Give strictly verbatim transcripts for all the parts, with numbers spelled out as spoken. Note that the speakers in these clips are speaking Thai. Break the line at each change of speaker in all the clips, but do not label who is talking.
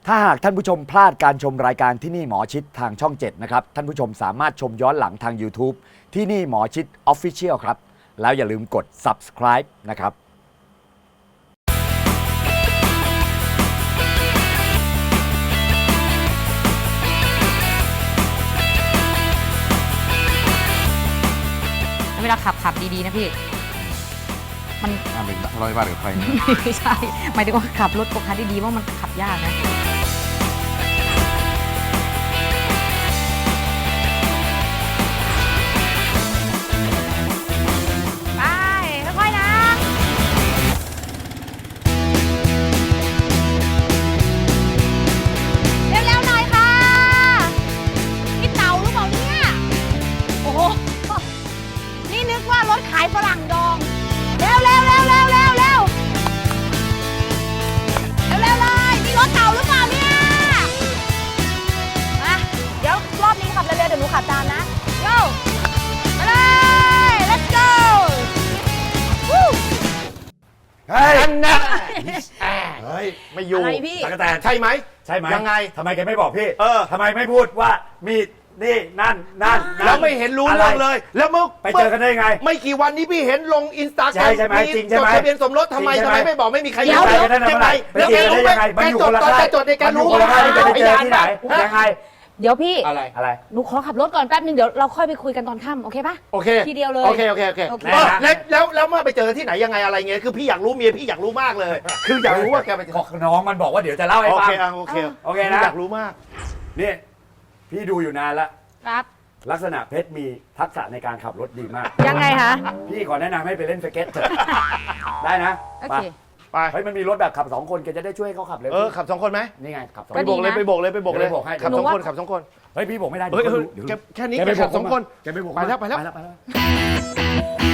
ถ้าหากท่านผู้ชมพลาดการชมรายการที่นี่หมอชิดทางช่องเจ็ดนะครับท่านผู้ชมสามารถชมย้อนหลังทาง YouTube ที่นี่หมอชิด Official ครับแล้วอย่าลืมกด Subscribe นะครับ
เวลาขับขับดีๆนะพี่มัน
ห้ามเป็นทะเลาะวิวาทกับใครนะ
ไม่ใช่หมายถึงว่าขับรถโกคาร์ทดีๆว่ามันขับยากนะไปค่อยๆนะเร็วๆหน่อยค่ะพี่เต่าหรือเปล่าเนี่ยโอ้โหนี่นึกว่ารถขายฝรั่งดองเร็วเร็วเร็วเร็วเร็วเร็วเร็วเลยนี่รถเต่าหรือเปล่าเนี่ยมาเดี๋ยวรอบนี้ขับเร็วๆเดี๋ยวหนูขับตามนะ go ไปเลย let's go วู้
เฮ้ย
อันน่ะเฮ้ยไม่อยู่
อะไรพี่
ตะกะแตน
ใช่ไหม
ใช่ไหม
ยังไง
ทำไมแกไม่บอกพี่
เออ
ทำไมไม่พูดว่ามีนี่นั่นนั่นนั่น
แล้วไม่เห็นรู้เรื่องเลย แล้วเมื่อ
ไปเจอกันได้ไง
ไม่กี่วันนี้พี่เห็นลงอินสตาแกร
ใช่
ม
ใช่ไหมจริงใช่ไหม
จดทะเบียนสมรสทำไม
จริงใช่
ทำ
ไหม
ไมไม่บอกไม่มีใคร
เดี๋ยว
รู้
ไปกันได้
ยังไง
ไปเจอกันได้ยังไงมัน
แก
อยู่
จ
ค
ด
นละ
ตอน
ค่าย
แกจดในแกรู้
มันอยู่คนละค่ายที่ไปเจอที่ไหนยังไง
เดี๋ยวพี่
อะไร
อะไร
หนูขอขับรถก่อนแป๊บนึงเดี๋ยวเราค่อยไปคุยกันตอนค่ำโอเคปะ
โอเค
ทีเดียวเลย
โอเคโอเคโอเค
โอเค
เออแล้วแล้วแล้วเมื่อไปเจอที่ไหนยังไงอะไรเงี้ยคือพี่อยากรู้เมียพี่อยากรู้มากเลย คืออยากรู้ว่าแกไปเจอ
น้องมันบอกว่าเดี๋ยวจะเล่าให้
โอ
ฟัง
เคอ่ะโอเค
โอเคนะ
อยากรู้มาก
นี่พี่ดูอยู่นานแล้ว
ครับ
ลักษณะเพชรมีทักษะในการขับรถดีมาก
ยังไงคะ
พี่ขอแนะนำให้ไปเล่นสเก็ตเถอะ ได้นะ
โอ
ไป
เค
ไป
เฮ้ยมันมีรถแบบขับสองคนแกจะได้ช่วยให้เขาขับเร็ว
เออขับสองคนไหม
นี่ไงขับสอง
ไป
คน
โบกเลย
นะ
ไปโบกเลยไปโบกเลย
เดี๋ยวไปโบกให้
ขับ
หนู
สอง
ว่า
คนขับสองคน
เฮ้ยพี่บอกไม่ได้
เฮ้ย
ดี๋ว
เฮ้ย
เดี๋ยว
แค่แค่นี้
แกไป
แกขับ
โก
สองคน
แกไปโบก
ไปแล้วไปแล้ว
ไปแล้วไปแล้ว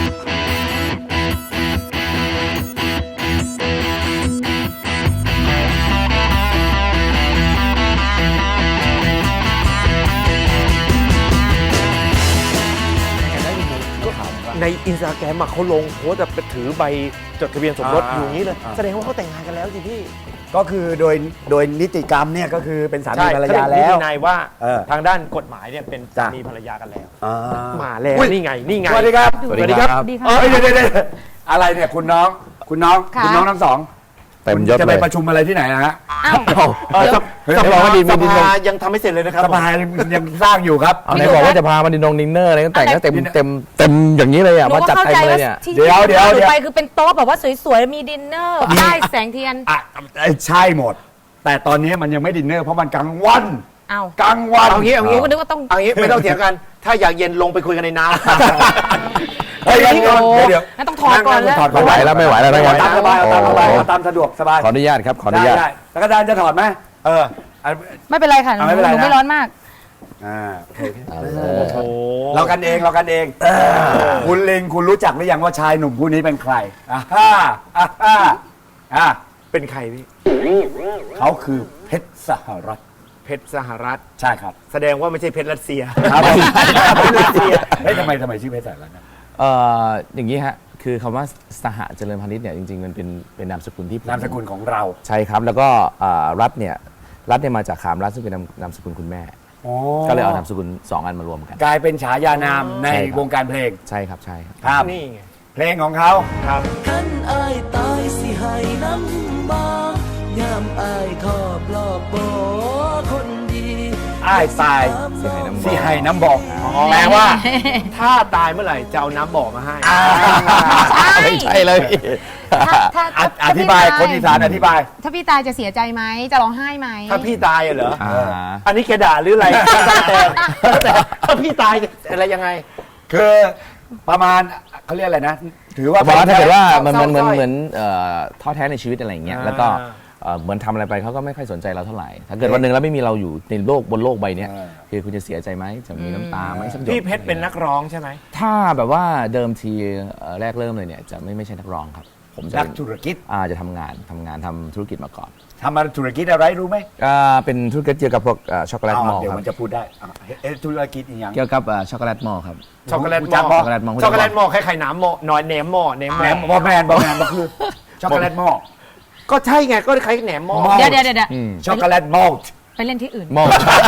ในอินสตาแกรมเขาลงโพสต์แบบถือใบจดทะเบียนสมรส
อ่า
อยู่อย่างนี้เลย
อ่า
แสดงว่าเขาแต่งงานกันแล้วสิพี่
ก็คือโดยโดยนิติกรรมเนี่ยก็คือเป็นสามี
ใช่
ภรร
เขาเรี
ยาย
ก
แล้
นิ
ว
ตินายว่า
เออ
ทางด้านกฎหมายเนี่ยเป็น
จ้ะ
สามีภรรยากันแล้ว
อ่า
มาแล้ว
อุ๊ย
นี่ไงนี่ไง
สวัสดีครับ
สวัสดีครับสวัสดีครับ
เฮ้ยเดี๋ยวเดี๋ยวเดี๋ยวอะไรเนี่ยคุณน้องคุณน้อง
ค่ะ
คุณน้องทั้งสอง
เต็มยศ
จะ
เล
ไป
ย
ประชุมอะไรที่ไหนนะฮะ
อ้าว
เออส
เฮ้ย
ส
เดี๋ยวบอกว่าดี
ส
มีดี
ภายังทำไม่เสร็จเลยนะครับ
สภายังสร้างอยู่ครับ
เอาไหนบอกว่าจะพามาดินดงดินเนอร์อะไรก็แต่งก็เต็มเต็มเต็มอย่างนี้เลยอ่ะ
หนู
มา
ก็
จัด
เข้า
เต็ม
ใจ
เล
ว่าย
เนี่ย
ที่
เดี๋ยวเดี๋ยว
หนู
เดี๋ยว
ไปคือเป็นโต๊ะแบบว่าสวยๆมีดินเนอร์ได้แสงเทียน
อ่ะใช่หมด แต่ตอนนี้มันยังไม่ดินเนอร์เพราะมันกลางวัน
เอา
กลางวัน
เอางี้เอา
หนู
งี้
ก็นึกว่าต้อง
เอางี้ไม่ต้องเถียงกัน ถ้าอยากเย็นลงไปคุยกันในน้ำ
เฮ้ยเดี๋ยวเดี๋ยวเดี๋ยว
งั้นต้องถอดก่อนแล้ว
ถอดก่
ไม่
อน
ไหวแล้วไม่ไหวแล้ว
เอา
ไม่ไหว
ตามสบายเอาตามสบายเอาตามสะดวกสบาย
ขออนุญาตครับขออนุญาต
ได้ได้แล้วก็ดานจะถอดไหมเอออ่ะ
ไม่เป็นไรค่ะหนู
เอาไม่เป็นไร
หนู
นะ
ไม่ร้อนมาก
อ่าโอเค
เอ
โอ้
อ
โห
เรากันเองเรากันเองคุณลิงคุณรู้จักหรือยังว่าชายหนุ่มผู้นี้เป็นใครอ่าฮ่าอ่าฮ่าอ่า
เป็นใครพี่
เขาคือเพชรสหรัฐ
เพชรสหรัฐ
ใช่ครับ
แสดงว่าไม่ใช่เพชรรัสเซีย
ครับ
เพชรรัสเซีย
เฮ้ยทำไมทำไมชื่อเพชรสหรัฐนะ
เอ่ออย่างนี้ฮะคือคำว่าสหเจริญพาณิชย์เนี่ยจริงๆมันเป็นเป็นนามสกุลที่ผม
นามสกุลของเรา
ใช่ครับแล้วก็เอ่อรัฐเนี่ยรัฐเนี่ยมาจากขามรัฐซึ่งเป็นนามนามสกุลคุณแม่ ก็เลยเอานามสกุลสองอันมารวมกัน
กลายเป็นฉายานามใน
ใช่ครับ
วงการเพลง
ใช่ครับใช่ครับ
ครับ
นี่ไง
เพลงของเขา
ครับ
ขันอายตายสิให้น้ำบายามอายทอปลอบโบคนดี
อ้ายตาย
สิให้น้ำบอก
สิให้น้ำบอก
แปลว่า ถ้าตายเมื่อไหร่จะเอาน้ำบ่อมาให้
ไม่ใช่เลยพี่
ถ้าถ้า
อ
ถ้า
อธิบายคนอีสานอธิบาย
ถ้าพี่ตายจะเสียใจไหมจะร้องไห้ไหม
ถ้าพี่ตายอะเหรอ
อ่า
อันนี้แกด่าหรืออะไรแต่แต่ถ้าพี่ตายอะไรยังไง
คือประมาณเขาเรียกอะไรนะ ถือว่า
บอกว่าถ้าเกิดว่ามัน
เศร้า
มันเหมือน
สร้อย
เหมือนเอ่อท้อแท้ในชีวิตอะไรอย่างเงี้ย
อ่า
แล้วก็เอ่อเหมือนทำอะไรไปเขาก็ไม่ค่อยสนใจเราเท่าไหร่ ถ้าเกิดวันหนึ่งแล้วไม่มีเราอยู่ในโลกบนโลกใบเนี้ยคือคุณจะเสียใจไหมจะมีน้ำตาไหมสักหยด
พี่เพชรเป็นนักร้องใช่ไหม
ถ้าแบบว่าเดิมทีเอ่อแรกเริ่มเลยเนี่ยจะไม่ไม่ใช่นักร้องครับ ผมจะ
นัก
เป็น
ธุรกิจ
อ่าจะทำงานทำงานทำธุรกิจมาก่อน
ทำมาธุรกิจอะไรรู้ไหม
อ่าเป็นธุรกิจเกี่ยวกับพวกเอ่อช็อกโกแลตมอล
เดี๋ยว
ครั
มั
บ
นจะพูดได้อ่ะเอ๊ะธุรกิจอีกอย่าง
เกี่ยวกับเอ่อช็อกโกแลตมอลครับ
ช็อกโกแลต
รู้
ห
จั
ม้
ก
อ
ปะ
ช็อกโกแลตมอล
ช็อกโกแลตหม้อคล้ายๆน้ำหม้อน้อยเนมหม้อเนมห
แห
ม้
ม
อ
บอแมนบอแมนก็คือช็อกโกแลตหม้อ
ก็ใช่ไงก็คล้ายแหนมหม้อ
หม้อ
เดี๋ยวเดี๋ยวเดี๋ยว
อืม
ช็อกโกแลตมอลต์
ไปเล่นที่อื่น
มอง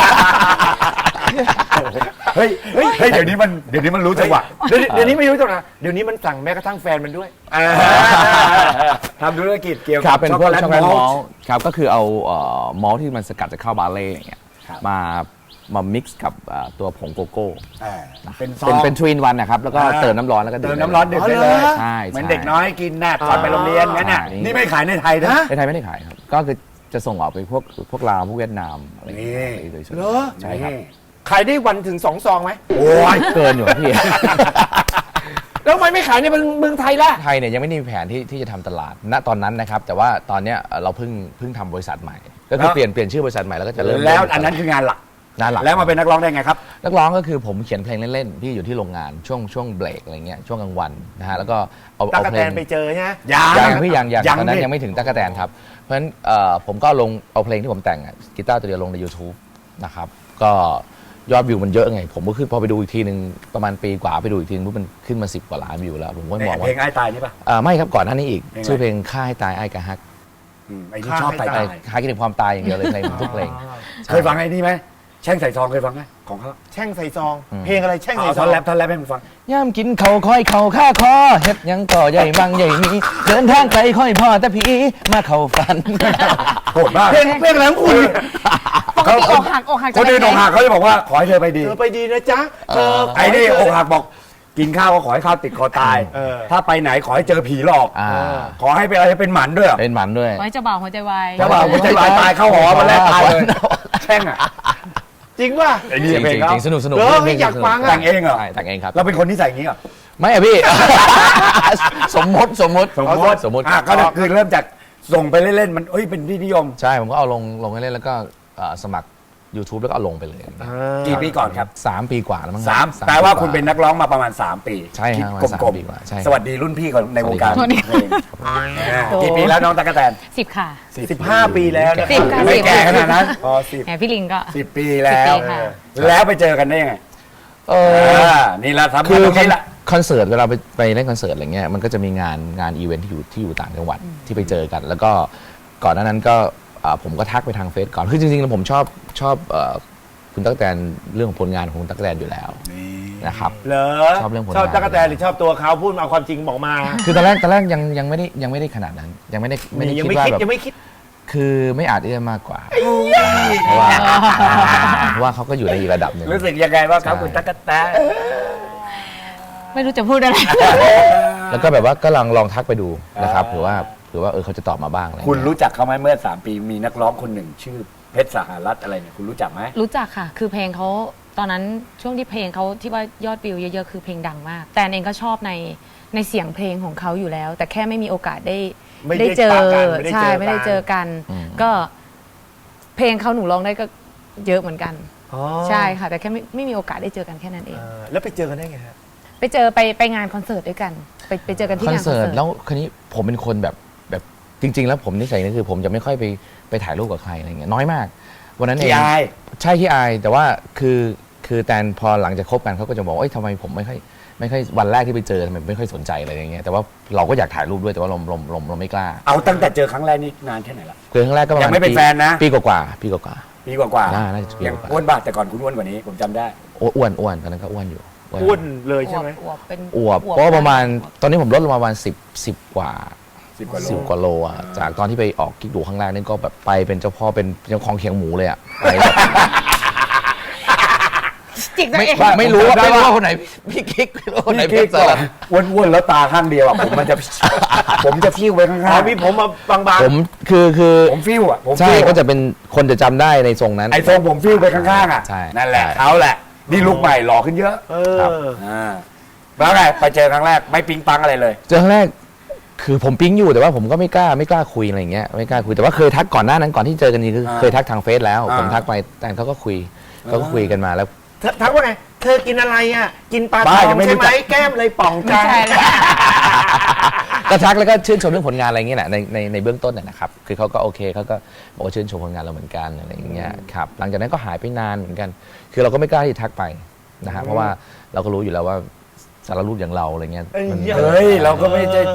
เฮ้ยเฮ้ยเฮ้ยเดี๋ยวนี้มันเดี๋ยวนี้มันรู้จังหวะ
เดี๋ยวนี้เดี๋ยวนี้ไม่รู้จักนะเดี๋ยวนี้มันสั่งแม้กระทั่งแฟนมันด้วย
ทำธุรกิจเกี่ยว
ครั
กั
บบ เป็น
ช็อก
พว
โก
ก
แลต
ช็อกโกแลต
ม
ม
อ
อ
ล
ล
ต์
ต์ครับก็คือเอาเอ่อมอลต์ที่มันสกัดจากข้าวบาเล่อย่างเงี้ย
ครับ
มามามิกซ์กับเอ่อตัวผงโกโก้
อ่าเป็นซอ
เป็น
ง
เป็นทวินวันนะครับแล้วก็
อ่า
เติมน้ำร้อนแล้วก็ดื่
เติ
ม
มน้ำร้อนดื่มได้เลย
ใช่
เหมือน
ใช่
เด็กน้อยกินน่ะก่อนไปโรงเรียนงั้นน่ะ
อ่านี่
นี่ไม่ขายในไทยนะ
ในไทยไม่ได้ขายครับก็คือจะส่งออกไปพวกพวกลาวพวกเวียดนามอะไรอย่างเงี้ย
นี่
โดยส่วน
เหรอ
ใช่ครับ
ขายได้วันถึงสองซองไหม
โอ้ย
เกินอยู่ครับพี่
แล้วทำไมไม่ขายในเมืองไทยล่ะ
ไทยเนี่ยยังไม่ได้มีแผนที่ที่จะทำตลาดณตอนนั้นนะครับ แต่ว่าตอนเนี้ยเอ่อเราเพิ่งเพิ่งทำบริษัทใหม่ ก็คือ
แล้ว
เปลี่ยนเปลี่ยนชื่อบริษัทใหม่แล้วก็จะเริ่ม
แล้วอันนั้นคืองานหลัก
งานหลัก
แล้วมาเป็นนักร้องได้ไงครับ
นักร้องก็คือผมเขียนเพลงเล่นๆที่อยู่ที่โรงงานช่วงช่วงเบรกอะไรเงี้ยช่วงกลางวันนะฮะแล้วก็เอา
ตา
เอา
กะ
เพ
แต
ล
น
ง
ไปเจอใช่ไหม
ยัง
ยังพี่ยังยัง
ยัง
ตอนนั้น
ดิ
ยังไม่ถึงตั๊กแตนครับเพราะฉะนั้นเอ่อผมก็ลงเอาเพลงที่ผมแต่งอะกีตาร์ตัวเดียวลงใน YouTube นะครับก็ยอดวิวมันเยอะไง ผมก็ขึ้นพอไปดูอีกทีหนึ่งประมาณปีกว่าไปดูอีกทีนึงปุ๊บมันขึ้นมาสิบกว่าล้านวิวแล้วผมก็มอง
เพล
ว่าง
ไอ้ตายนี่ป่ะ
เอ่อไม่ครับก่อนหน้านี้อีก
เพลงอะไร
ชื่อเพลงฆ่าให้ตายไอ้กะฮัก
อืมไอ้นี่ชอบตาย
ไอ้หากินถึงความตายอย่างเดียวเลยเพลงทุกเพลง
เคยฟังไอ้นี่ไหมแช่งใส่ซองเคยฟังไหมของเขา
แช่งใส่ซอง
อืม
เพลงอะไรแช่ง
เอา
ใส่ซ
ท่
อ
อง นแรปท่อนแรปให้มันฟัง
ย่ามกินเขาค่อยเขาข้าคอเฮ็ดหยังต่อใหญ่บางใหญ่มีเดินทางไกลค่อยพ่อแต่ผีมาเข้าฝัน
โหดมาก
เพลงเพลงอะไรของคุณ
ปกติอกหักอกหัก
คนอื่นอกหักเขาจะบอกว่าขอให้เธอไปดี
เธอไปดีนะจ๊ะเธอ
ไอ้นี่อกหักบอกกินข้าวก็ขอให้ข้าวติดคอตาย
เออ
ถ้าไปไหนขอให้เจอผีหลอก
อ่า
ขอให้เป็นอะไรเป็นหมันด้วยเหรอ
เป็นหมันด้วย
ไว้จะบ่าวหัวใจวาย
จะบอกว่าใจวายตายเข้าหอมาแล้วตายเลยแช่งอ่ะ
จริงป่ะ
ไอ้
จ
นี่
ริง
เพลง
จริง
เขา
จริงสนุกสนุก
เหรอ
เพลง
อยาก
สนุ
ฟังอะ
แต่งเองเหรอ
ใช่แต่งเองครับ
เราเป็นคนนิสัยอย่างนี้เหรอ
ไม่อะพี่ สมมติสมมติ
สมมติ
สมมติ
อ่ะก็คือเริ่มจากส่งไปเล่นๆมันเอ้ยเป็นที่นิยม
ใช่ผมก็เอาลงลงให้เล่นแล้วก็เอ่อสมัคร YouTube แล้วก็เอาลงไปเลย
กี่ปีก่อนครับ
สามปีกว่าแล้วมั้ง
สาม
ครับ
แปลว่า
ปีก
คุณเป็นนักร้องมาประมาณสามปี
ใช่ฮะ
คิด
ประมาณ
กล
สาม มปีกว่าใช่
ๆสวัสดีรุ่นพี่ของในวงการ
สวัสดี
เพลงอ่ากี่ปีแล้วน้องตั๊กแตน
สิบค่ะ
สิบห้าปีแล้วนะ
สิบค่ะ
ไม่แก่ขนาดนั้นพอสิบ
แหมพี่ลิงก็
สิบปีแล้ว
สิบปีค่ะ
แล้วไปเจอกันได้ยังไง
เอ
อ่า
อ
นี่ละครับ
คือ
ตรงนี้ละ
คอนเสิร์ตเวลาไปไปเล่นคอนเสิร์ตอะไรเงี้ยมันก็จะมีงานงานอีเวนท์ที่อยู่ที่อยู่ต่างจังหวัดที่ไปเจอกัน แล้วก็ก่อนหน้านั้นก็อ่าผมก็ทักไปทางเฟซก่อนคือจริงๆแล้วผมชอบชอบเอ่อคุณตั๊กแตนเรื่องของผลงานของคุณตั๊กแตนอยู่แล้วนะครับ
เหรอ
ชอบเรื่องผลงาน
ชอบตั๊กแตนหรือชอบตัวเขาพูดมาเอาความจริงบอกมา
คือตอนแรกตอนแรกยังยังไม่ได้ยังไม่ได้ขนาดนั้น ยังไม่ได้ไม่ได้
ยัง
คิด
ไม่
ว่า
คิด
แบบ
ยังไม่คิด
คือไม่อาจที่จะมากกว่าเพราะว่าเพราะว่าเขาก็อยู่ในอีกระดับหนึ่ง
รู้สึกยังไงว่างครับ
ใช่
คุณตั๊กแตน
ไม่รู้จะพูดอะไร
แล้วก็แบบว่าก็ลองลองทักไปดูนะครับหรือว่าหรือว่าเออเขาจะตอบมาบ้างอะไร
คุณ
เงี้ย
รู้จักเขาไหมเมื่อสามปีมีนักร้องคนหนึ่งชื่อเพชรสหรัฐอะไรเนี่ยคุณรู้จักไหม
รู้จักค่ะ คือเพลงเขาตอนนั้นช่วงที่เพลงเขาที่ว่ายอดวิวเยอะๆคือเพลงดังมาก แต่เองก็ชอบในในเสียงเพลงของเขาอยู่แล้ว แต่แค่ไม่มีโอกาสได้
ไม่ได้
เจอ
ปะกันไม่ได้
ใช่
เจอกัน
ไม่ได้เจอกัน ก็เพลงเขาหนูร้องได้ก็เยอะเหมือนกัน
อ๋อ
ใช่ค่ะ แต่แค่ไม่ไม่มีโอกาสได้เจอกันแค่นั้นเอง
เออแล้วไปเจอกันได้ไงฮะ
ไปเจอไปไปงานคอนเสิร์ตด้วยกัน ไปไปเจอกันที่
คอน
งานคอน
เสิ
เสิ
ร์
ร์
ต
ต
แล้วคันนี้ผมเป็นคนแบบแบบจริง ๆ แล้วผมนิสัยนี่คือผมจะไม่ค่อยไปไปถ่ายรูปกับใครอะไรเงี้ยน้อยมาก วันนั้นเอ
ที่
ง
อาย
ใช่ที่อายแต่ว่าคือคือแตนพอหลังจากคบกันเขาก็จะบอกว่าเอ้ยทำไมผมไม่ค่อยไม่ค่อยวันแรกที่ไปเจอทำไมไม่ค่อยสนใจอะไรอย่างเงี้ยแต่ว่าเราก็อยากถ่ายรูปด้วยแต่ว่าเราเราเราเราไม่กล้า
เอาตั้งแต่เจอครั้งแรกนี่นานแค่ไหนละ
เกินครั้งแรกก็ประมาณ
ยังไม่เป็น
ปี
แฟนนะ
ปีกว่าๆปีกว่า
ปีกว่า
น่าน่าจะปี
ยัง
กว่า
อ้วนบ้าแต่ก่อนคุณอ้วนกว่านี้ผมจำได้
ๆอ้วนอ้วนตอนนั้นก็อ้วนอยู่
อ้วนเลยใช่ไหม
อวบเป็น
อวบเพราะว่าประมาณตอนนี้ผมลดลงมาประมาณสิบสิบกว่า
สิบกว่าโล
สิบกว่าโลอ่ะจากตอนที่ไปออกกิ๊กดูครั้งแรกนี่ก็แบบไปเป็นเจ้าพ่อเป็นเจ้าของเขียงหมูเลยอ่ะไปแบบ
จิกตัว
ไม่
เอง
ไม่รู้ว่าไม่รู้ว่าคนไหนพี่กิ๊กไม่รู้ว่าคนไหน
พี่
เป็
กิ๊
น
ก
สลัด
อ้วนๆแล้วตาข้างเดียวอ่ะผมมันจะ ผมจะฟิวไปข้าง
อ๋อมีผมมาบาง
ผมคือคือ
ๆผมฟิวอ่ะผม
ใช่
ฟิว
ก็จะเป็นคนจะจำได้ในทรงนั้น
ไอ้ทรงผมฟิวไปข้างๆอ่ะ
ใช่
นั่นแหละ
ใช่
เขาแหละนี่ลุกใหม่หล่อขึ้นเยอะ
ๆเอ
ครับ
อ
อ่าแล้วไงไปเจอครั้งแรกไม่ปิ๊งปังอะไรเลย
เจอครั้งแรกคือผมปิ๊งอยู่แต่ว่าผมก็ไม่กล้าไม่กล้าคุยอะไรอย่างเงี้ยไม่กล้าคุยแต่ว่าเคยทักก่อนหน้านั้นก่อนที่เจอกันนี่คือ
อ่า
เคยทักทางเฟซแล้ว
อ่า
ผมทักไปแต่เขาก็คุยเขาก็คุยกันมาแล้ว
เธอทักว่าไง เธอกินอะไรอ่ะ กินปลาท
บ้า
อง
ยังไม่รู้
ใช่ไหม
จัก
แก้มเลยป่อง
ไม่
จัง
ใช่เลย
ก็ทักแล้วก็ชื่นชมเรื่องผลงานอะไรอย่างเงี้ยแหละในในในเบื้องต้นน่ะนะครับคือเขาก็โอเคเขาก็บอกว่าชื่นชมผลงานเราเหมือนกันอะไรอย่างเงี้ยครับหลังจากนั้นก็หายไปนานเหมือนกัน คือเราก็ไม่กล้าที่จะทักไปนะฮะเพราะว่าเราก็รู้อยู่แล้วว่าสารรูปอย่างเราอะไรเงี้ยมัน
เฮ้ยเราก็ไม่ใช่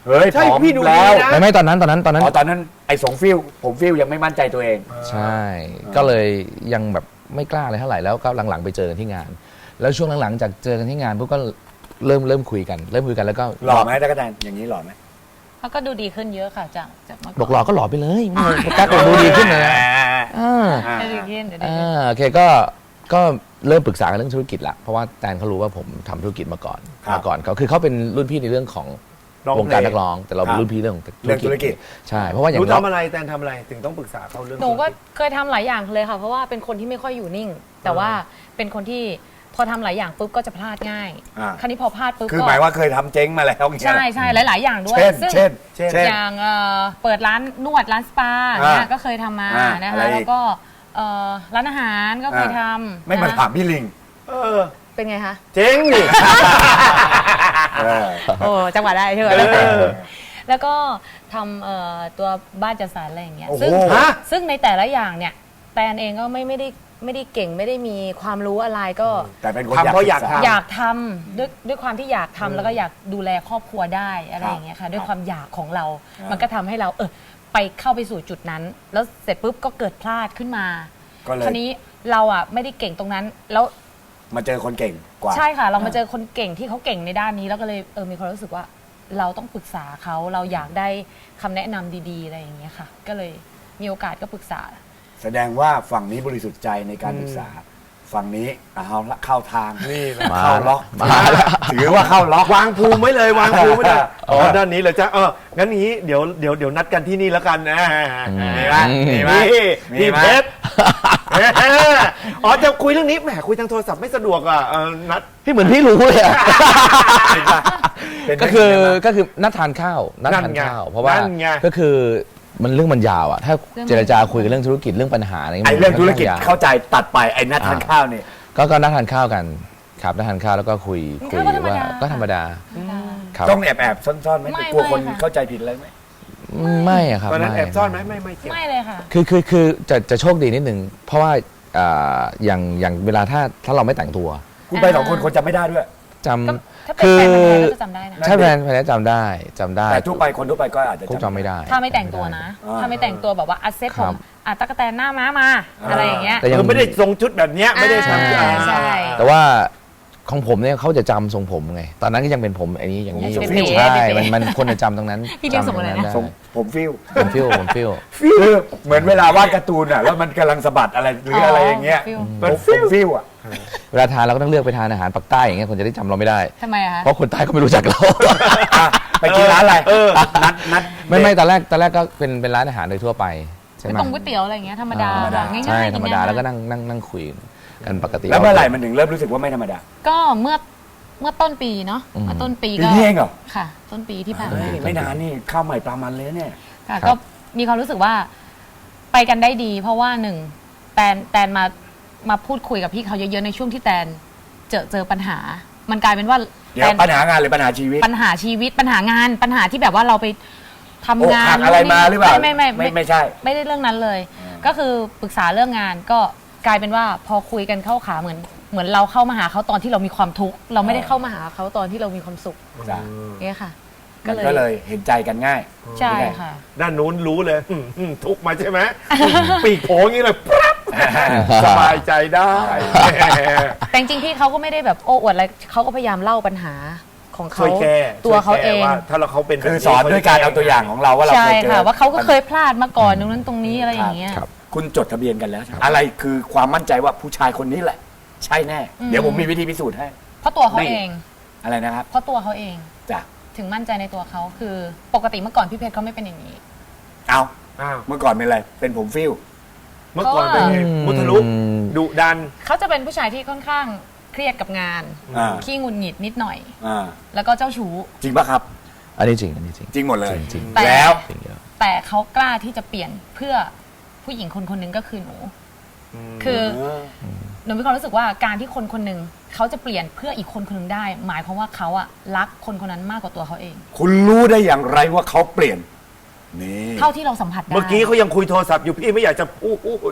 เฮ้ย
ใช่
ผอม
พี่ดูดี
แล้ว
นะ
ไม่ไม่ตอนนั้นตอนนั้นตอนนั้น
อ๋อตอนนั้นไอ้สงฟิลผมฟิลยังไม่มั่นใจตัวเอง
ใช่ ก็เลยยังแบบไม่กล้าอะไรเท่าไหร่แล้วก็หลังๆไปเจอกันที่งาน แล้วช่วงหลังๆจากเจอกันที่งานพวกก็เริ่มเริ่มคุยกัน เริ่มคุยกันแล้วก็
หล่อไหมตะกะแตนอย่างนี้หล่อไหม
เขาก็ดูดีขึ้นเยอะค่ะจากจากเมื่อ
บอกห
ก่
ล่
อ
อน ก็หล่อไปเลยไม่ต้องกล้าดูดีขึ้นเลยนะอ่า
เดี๋ยวดีขึ้นเดี๋ยวดี
อ่
ขึ้น
าโอเคก็ก็เริ่มปรึกษากันเรื่องธุรกิจละเพราะว่าแตนเขารู้ว่าผมทำธุรกิจมาก่อน
ครับ
มาก่อนเขาคือเขาเป็นรุ่นพี่ในเรื่องของ
ร้องเพลง
วงการนักร้อง แต่เราเป็
ครั
น
บ
รุ่นพี่เรื่อง
เรื่องธุรกิจ
ใช่เพราะว่าอย่าง
รู้
เรา
ทำอะไรแตนทำอะไรถึงต้องปรึกษาเขาเรื่อง
หนูก็
ธุรจ
เคยทำหลายอย่างเลยค่ะเพราะว่าเป็นคนที่ไม่ค่อยอยู่นิ่ง แต่ว่าเป็นคนที่พอทำหลายอย่างปุ๊บก็จะพลาดง่าย
อ่า
คราวนี้พอพลาดปุ๊บ
คือ
ก็
หมายว่าเคยทำเจ๊งมาแล้วอย่างเงี้ย
ใช่ใช่หลาย ๆ อย่างด้วย
เช่น
ซึ่ง
เช่น
เช่น
เช่น
อย่างเอ่อเปิดร้านนวดร้านสปา
อ่า
เนี่ยก็เคยทำมา
อ่า
นะ
อะไร
คะ
อีก
แล้วก็เอ่อร้านอาหารก็เคยทำ
ไม่มา
นะคะ
ถามพี่ลิง
เออ
เป็นไงคะ
เจ๊งนี่
เออ
โอ้จังหวะได้ใช่ไหม
เออ
แล้วก็ทำเอ่อตัวบ้านจัดสรรอะไรอย่างเงี้ย
โอ้โห
ซึ่ง
ฮะ
ซึ่งในแต่ละอย่างเนี่ยแตนเองก็ไม่ไม่ได้ไม่ได้เก่งไม่ได้มีความรู้อะไรก็
แต่เป็นคน
ทำเพราะอยาก
ศึษ
ทำ
อยากทำด้วยด้วยความที่อยากทำแล้วก็อยากดูแลครอบครัวได้อะไรอย่างเงี้ยค่ะด้วยความอยากของเรา
ครับ
มันก็ทำให้เราเออไปเข้าไปสู่จุดนั้น แล้วเสร็จปุ๊บก็เกิดพลาดขึ้นมา
ก็เล
คราย วนี้เราอ่ะไม่ได้เก่งตรงนั้น แล้ว
มาเจอคนเก่งกว่า
ใช่ค่ะ เรามาเจอคนเก่งที่เขาเก่งในด้านนี้แล้วก็เลยเออมีความรู้สึกว่าเราต้องปรึกษาเขาเราอยากได้คำแนะนำดีๆอะไรอย่างเงี้ยค่ะ ก็เลยมีโอกาสก็ปรึกษา
แสดงว่าฝั่งนี้บริสุทธิ์ใจในการปรึกษา ฝั่งนี้เอาละเข้าทาง
นี่แหละ
มา
เข้าล็อก
มาแล้ว
ถือว่าเข้าล็อก
วางภูมิไว้เลยวางภูมิไว้เลยอ๋อด้านนี้เลยจ้ะเอองั้นนี้เดี๋ยวเดี๋ยวเดี๋ยวนัดกันที่นี่แล้วกันนะ
มีไหมมีไหม
นี่
มี
พี่
ไหม
เพชรอ๋อจะคุยเรื่องนี้แหมคุยทางโทรศัพท์ไม่สะดวกอ่ะเออนัด
พี่เหมือนพี่รู้เลยอะ
เป็น
ก็คือ
เป็นไงบ้าง
ก็คือนัดทานข้าวนัด
นั่
ทาน
นไง
ข้าว เพราะว่า
นั่นไง
ก็คือมันเรื่องมันยาวอ่ะถ้า
เรื่องมัน
เจรจาคุยกันเรื่องธุรกิจเรื่องปัญหาอะไรเงี้ย
ไอ้เรื่องธุรกิจ
มันค่อนข้างยาว
เข้าใจตัดไปไอ้นัดทานข้าวนี่
ก็ก็นัดทานข้าวกันครับนัดทานข้าวแล้วก็คุย
มัน
คุย
ก็ธรรม
ว่า
ดา
ก็ธรรมดาครับ
ต้องแอบแอบๆซ่อนๆไหม
ไม่
กลัวคน
ไม่ค่ะ
เข้าใจผิดอะไรไหม
ไม่อะครับ
ตอนนั้น
ไม่
แอบซ่อนไหมไม่ไม่เก็บ
ไม่เลยค่ะ
คือคือคือจะจะโชคดีนิดนึงเพราะว่าอ่าอย่างอย่างเวลาถ้าถ้าเราไม่แต่งตัว
คุณไปสองคนคนจำไม่ได้ด้วย
จ
ก็
ำ
ถ้าเป็นแฟนพันธุ์แท้ก็จะจำได้นะ
ใช่แฟนแฟนจำได้จำได้
แต่ทั่วไปคนทั่วไปก็อาจจะ
พวกจำไม่ได้
ถ้าไม่แต่งตัวนะ
อ่า
ถ้าไม่แต่งตัวแบบว่าอัดเซ็ต
ค
ผ
รับ
มอ่ะตะกะแตนหน้าม้ามาอะไรอย่างเงี้ย
แต่ยัง
คือไม่ได้ทรงชุดแบบเนี้ยไม่ได้
อ่า
ทำ
ใช่
ใช่
แต่ว่าของผมเนี่ยเขาจะจำทรงผมไง ตอนนั้นก็ยังเป็นผมอันนี้อย่างนี้อยู่
เป็น
ใช่
เป็น
มันมันคนจะจำตรงนั้น
พี่เรียกทรงอะไรนะ
จำต
ทรงผมฟิล
ผมฟิลผมฟิล
คือเหมือนเวลาวาดการ์ตูนอ่ะแล้วมันกำลังสะบัดอะไรหรืออะไรอย่างเงี้ย
ฟิล
ผมผมฟิลอ่ะ
เวลาทานเราก็ต้องเลือกไปทานอาหารปักใต้อย่างเงี้ยคนจะได้จำเราไม่ได้
ทำไมอะคะ
เพราะคนใต้ก็ไม่รู้จักเรา
อ่ะไปกินร้านอะไร
เออ
นัดนัด
ไม่ไม่ตอนแรกตอนแรกก็เป็นเป็นร้านอาหารโดยทั่วไปใช่ไหม
ตรงก๋วยเตี๋ยวอะไรอย่างเงี้ยธรรมดา
ธรรมดา
ง่ายๆ
ใช่
กิน
ธรรมดา
ง่ยๆ
แล้วก็นั่งนั่งนั่งคุยกันปกติ
แล้วเมื่อไหร่มันถึงเริ่มรู้สึกว่าไม่ธรรมดา
ก็เมื่อเมื่อต้นปีเนาะ
อืม
เมื่อต้นปี
ปี
ก็
นี้เองเหรอ
ค่ะ ต้นปีที่ผ่าน
เฮ้
มาย
ไม่นานนี่ข้าวใหม่ปลามันเลยเนี่ย
ค่ะ
ครับ
ก็มีความรู้สึกว่าไปกันได้ดี เพราะว่าหนึ่งแตนแตนมามาพูดคุยกับพี่เขาเยอะๆในช่วงที่แตนเจอเจอปัญหา มันกลายเป็นว่า
เดี๋ยว
แตน
ปัญหางานหรือปัญหาชีวิต
ปัญหาชีวิตปัญหางานปัญหาที่แบบว่าเราไปทำ
อก
งา
หั
น
กอะไรมาหรือเปล่า
ไม่ไม่ไม่
ไม่ไม่ใช่
ไม่ได้เรื่องนั้นเลย ก็คือปรึกษาเรื่องงานก็กลายเป็นว่าพอคุยกันเข้าขาเหมือน เหมือนเราเข้ามาหาเขาตอนที่เรามีความทุกข์เราไม่ได้เข้ามาหาเขาตอนที่เรามีความสุข
จ้ะ
เนี่ยค่ะ
มันก็เลยเห็นใจกันง่าย
ใช่ค่ะ
ด้านนู้นรู้เลยอืมอืมทุกข์มาใช่ไหมปีกโผล่อย่างนี้เลยปั๊บสบายใจได้
แต่จริงๆพี่เขาก็ไม่ได้แบบโอ้อวดอะไรเขาก็พยายามเล่าปัญหาของเขา
ช่วยแก้
ตัวเขาเอง
ช่วยแก้ว่าถ้าเราเขาเป็นแบบ
คือสอนด้วยการเอาตัวอย่างของเราว่าเรา
ใช่
เคยเจอ
ค่ะ ว่าเขาก็เคยพลาดมาก่อนตรงนั้นตรงนี้อะไรอย่างเงี้ย
ครับ
คุณจดทะเบียนกันแล้ว อะไรคือความมั่นใจว่าผู้ชายคนนี้แหละ ใช่แน่
อืม
เดี๋ยวผมมีวิธีพิสูจน์ให้
เพราะตัวเขา
ไม่
เอง
อะไรนะครับ
เพราะตัวเขาเอง
จ้ะ
ถึงมั่นใจในตัวเขาคือปกติเมื่อก่อนพี่เพชรเขาไม่เป็นอย่างนี้
เอา
อ้าว
เมื่อก่อนเป็นอะไรเป็นผมฟิล
เมื่อก่อนเป็นไง
อืม
มุทะลุดุดัน
เขาจะเป็นผู้ชายที่ค่อนข้างเครียดกับงาน
อ่า
ขี้หงุดหงิดนิดหน่อย
อ่า
แล้วก็เจ้าชู้
จริงปะครับ
อันนี้จริงอันนี้จริง
จริงหมดเลย
จริงจริง
แต่
แล้ว
จริงเยอะ
แต่เขากล้าที่จะเปลี่ยนเพื่อผู้หญิงคนคนหนึงก็คือหนู คือหนูมีความรู้สึกว่าการที่คนคนหนึ่งเขาจะเปลี่ยนเพื่ออีกคนคนหนึ่งได้ หมายความว่าเขาอะรักคนคนนั้นมากกว่าตัวเขาเอง
คุณรู้ได้อย่างไรว่าเขาเปลี่ยน นี่
เท่าที่เราสัมผัสได้
เมื่อกี้เขายังคุยโทรศัพท์อยู่พี่ไม่อยากจะพูด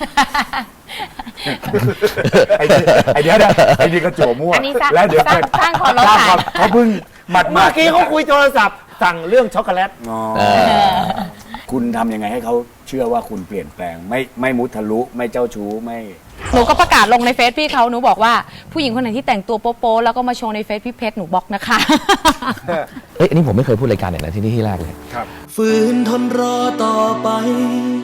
ไอ้นี่ไอ้เดี๋ยวนะไอ้นี่ก็จั่วมั่ว
อันนี้สร้าง
แล้วเดี๋ยว
สร้างสร้างความร้อน
สร้างความเขาเพิ่งหมัด
เมื่อกี้เขาคุยโทรศัพท์สั่งเรื่องช็อกโกแลต
อ๋อ
เออ
คุณทำยังไงให้เขาเชื่อว่าคุณเปลี่ยนแปลง ไม่ไม่มุทะลุไม่เจ้าชู้ไม่
หนูก็ประกาศลงในเฟซพี่เขาหนูบอกว่าผู้หญิงคนไหนที่แต่งตัวโป๊ะๆแล้วก็มาโชว์ในเฟซพี่เพชรหนูบล็อกนะคะ
เอ้ยอันนี้ผมไม่เคยพูดรายการไหนนะที่นี่ที่แรกเลย
ฝืนทนรอต่อไป